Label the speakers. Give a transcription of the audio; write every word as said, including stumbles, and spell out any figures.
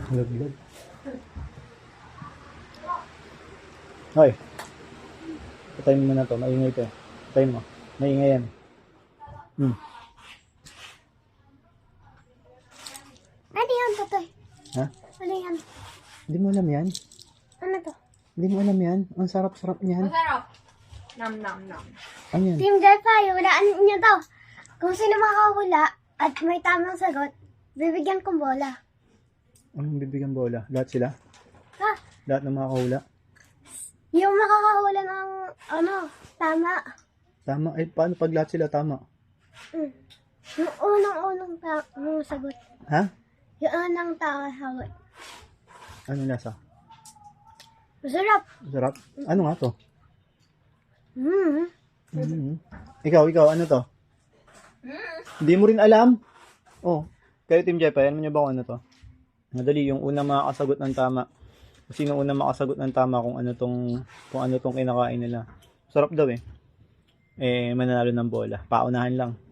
Speaker 1: Laglag. Hoy. Patayin mo na to. Maingay to eh. Patayin mo. Maingay yan. Hmm.
Speaker 2: Ano yan, Totoy?
Speaker 1: Ha?
Speaker 2: Ano yan?
Speaker 1: Hindi mo alam yan?
Speaker 2: Ano to?
Speaker 1: Hindi mo alam yan? Ang sarap-sarap niyan.
Speaker 3: Masarap. Nam, nam, nam.
Speaker 1: Ano yan?
Speaker 2: Team Delphi, hulaan niyo to. Kung sino makahula at may tamang sagot, bibigyan kong bola.
Speaker 1: Anong bibigyan bola? Lahat sila?
Speaker 2: Ha?
Speaker 1: Lahat ng mga kahula?
Speaker 2: Yung makakahula ng, ano, tama.
Speaker 1: Tama. Eh, paano pag lahat sila tama?
Speaker 2: Mm. Yung unang-unang ta- yung sagot.
Speaker 1: Ha?
Speaker 2: Yung unang tamang sagot.
Speaker 1: Ano lasa?
Speaker 2: Masarap.
Speaker 1: Sarap? Ano nga to?
Speaker 2: Mm.
Speaker 1: Mm-hmm. Ikaw, ikaw, ano to? Hindi mo rin alam? Oh, kayo Team Jepa, alam niyo ba kung ano to? Madali, yung unang makakasagot ng tama. Kung sino unang makasagot ng tama kung ano tong, kung ano tong kinakain nila. Sarap daw eh. Eh, mananalo ng bola. Paunahan lang.